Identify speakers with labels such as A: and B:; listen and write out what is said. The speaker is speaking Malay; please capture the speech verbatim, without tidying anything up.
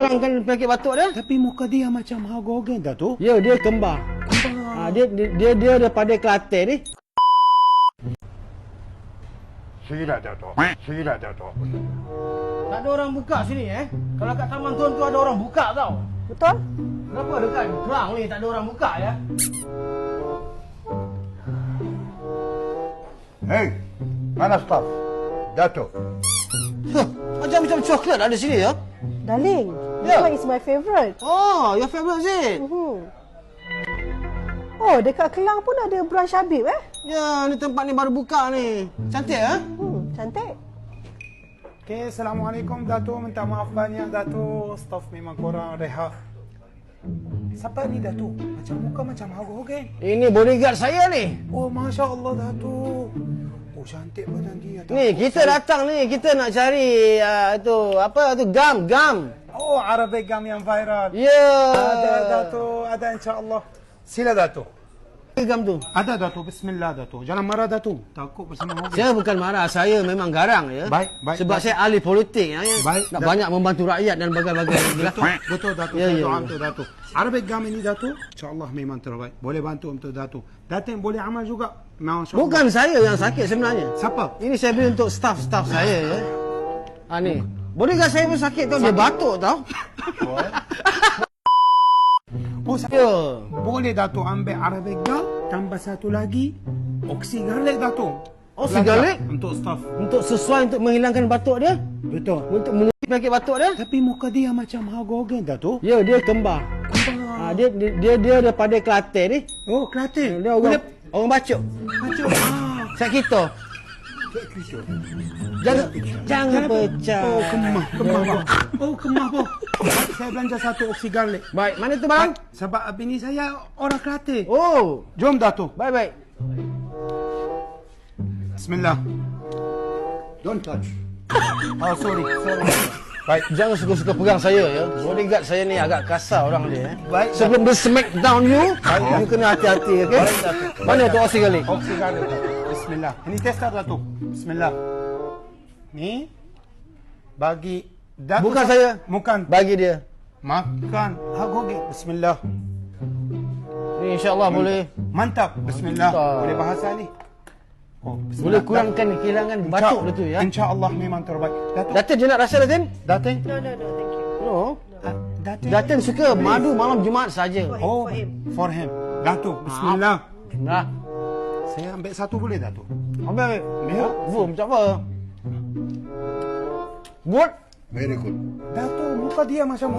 A: kurangkan penyakit batuk dia.
B: Tapi muka dia macam Hagogen dah tu.
A: Ya, dia kembar. Ha, dia, dia dia dia daripada Kelantan ni.
C: Sila Dato'. Sila Dato'.
A: Tak ada orang buka sini eh. Kalau kat Taman Tun tu ada orang buka tau.
D: Betul?
A: Kenapa dekat Kelang ni tak ada orang buka ya?
C: Hei, mana staff? Dato'.
A: Huh, macam-macam coklat ada sini ya.
D: Darling, this
A: Ya.
D: one is my favourite.
A: Oh, your favourite is it?
D: Mhm. Oh, dekat Kelang pun ada branch Habib eh?
A: Ya, ni tempat ni baru buka ni. Cantik eh?
D: Hmm, cantik.
B: Okay, Assalamualaikum Dato'. Minta maaf banyak Dato'. Staff memang korang rehat. Siapa ni Dato'? Macam muka macam Hagogen.
A: Ini bodyguard saya ni.
B: Oh, Masya Allah Dato'. Oh, cantik badan dia. Dato'.
A: Ni kita datang ni, kita nak cari uh, tu apa tu gam, gam.
B: Oh, Arabic gam yang viral.
A: Ya.
B: Ada Dato', ada insyaAllah. Sila Dato'.
A: Gam tu.
B: Ada Dato', bismillah Dato'. Jangan marah Dato'. Takut bersama Hagogen.
A: Saya bukan marah, saya memang garang ya.
B: Baik, baik,
A: Sebab
B: baik.
A: saya ahli politik ya.
B: Baik,
A: Nak
B: dah-
A: banyak membantu rakyat dan bagai-bagai
B: Betul, betul Dato'.
A: Ya,
B: Saya
A: ya,
B: doa
A: ya.
B: untuk Dato'. Arabic gam ini Dato', insyaAllah memang terbaik. Boleh bantu untuk Dato'. Dato' boleh amal juga. Masya Allah.
A: Bukan saya yang sakit sebenarnya.
B: Siapa?
A: Ini saya beli untuk staff-staff saya ya. Ah ni. Bodyguard saya pun sakit tau, dia batuk tau.
B: Oh, sa-
A: Ya.
B: Boleh Dato' ambil Arabic gam, tambah satu lagi, oksi garlic Dato'.
A: Oksi
B: Belanja
A: garlic?
B: Untuk staff.
A: Untuk sesuai untuk menghilangkan batuk dia,
B: Betul.
A: untuk mengubah penyakit batuk dia.
B: Tapi muka dia macam Hagogen Dato'.
A: Ya, dia kembar. Ha, dia, dia dia dia daripada Kelantan ni.
B: Oh, Kelantan.
A: Dia orang orang bacuk.
B: Macam ah.
A: Saya kita. Jangan jangan pecah.
B: Oh, kemah, kemah po. Oh, kemah po. Saya belanja satu oksi garlic.
A: Baik, mana tu bang?
B: Sebab bini saya orang Kelantan.
A: Oh,
B: Jom Dato'.
A: baik baik.
B: Bismillah.
C: Don't touch.
B: Oh, sorry. Sorry. Baik.
A: Jangan suka-suka pegang saya ya. Bodyguard saya ni agak kasar orang dia. Eh.
B: Baik.
A: Sebelum dia smack down you, you kena hati-hati okey. Mana tu oksi kali?
B: Oksi garlic Dato'. Bismillah. Ini tester Dato'. Bismillah. Ni bagi Dato'.
A: Bukan
B: sa-
A: saya.
B: Bukan.
A: Bagi dia.
B: Makan. Hagogen. Bismillah.
A: Ni insya-Allah boleh
B: Mantap. Bismillah.
A: Mantap.
B: Boleh bahasa ni. Oh,
A: boleh kurangkan kehilangan batuk dia tu ya.
B: InsyaAllah memang terbaik. Dato'.
A: Datin je nak rasa Datin?
B: Datin.
D: No, no, no, thank you.
A: No.
B: Ah, Datin.
A: Datin suka madu malam Jumaat saja.
B: Oh,
D: For him.
B: for him. Dato'. Bismillah.
A: Nah.
B: Saya ambil satu boleh Dato'?
A: Ambil ambil.
B: Ya.
A: Oh, macam apa? Good.
C: Very good.
B: Dato', muka dia macam